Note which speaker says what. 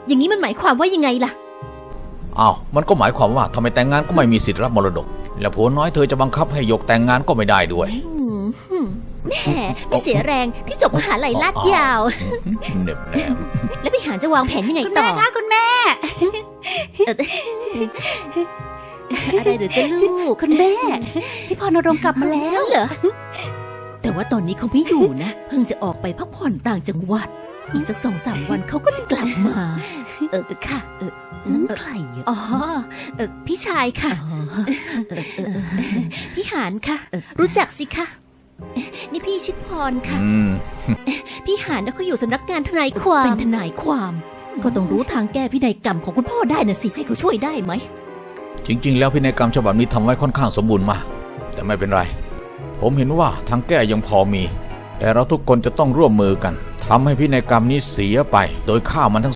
Speaker 1: อย่างนี้มันหมายความว่ายังไงล่ะ
Speaker 2: อ้าวมันก็หมายความว่าทำไมแต่งงานก็ไม่มีสิทธิ์รับมรดกและผัวน้อยเธอจะบังคับให้หยกแต่งงานก็ไม่ได้ด้วย
Speaker 1: แหมไม่เสียแรงที่จบมหาลัยลาดยาว
Speaker 2: เน็บแนม
Speaker 1: แล้วพี่หานจะวางแผนยังไงต่อ
Speaker 3: คุณแม่
Speaker 1: อะไรหรือจะลูก
Speaker 3: คุณแม่พี่พรณรงค์กลับมาแล้ว
Speaker 1: เหรอแต่ว่าตอนนี้เขาไม่อยู่นะเพิ่งจะออกไปพักผ่อนต่างจังหวัดอีกสัก 2-3 วันเขาก็จะกลับมาค่ะ
Speaker 3: นั่นใคร
Speaker 1: อ๋อพี่ชายค่ะพี่หานค่ะรู้จักสิคะนี่พี่ชิดพรค่ะพี่หานเขาอยู่สำนักงานทนายความเป็นทนายความก็ต้องรู้ทางแก้พินัยกรรมของคุณพ่อได้นะสิให้เขาช่วยได้ไหม
Speaker 2: จริงๆแล้วพินัยกรรมฉบับนี้ทำไว้ค่อนข้างสมบูรณ์มากแต่ไม่เป็นไรผมเห็นว่าทางแก้ยังพอมีแต่เราทุกคนจะต้องร่วมมือกันทำให้พินัยกรรมนี้เสียไปโดยฆ่ามันทั้ง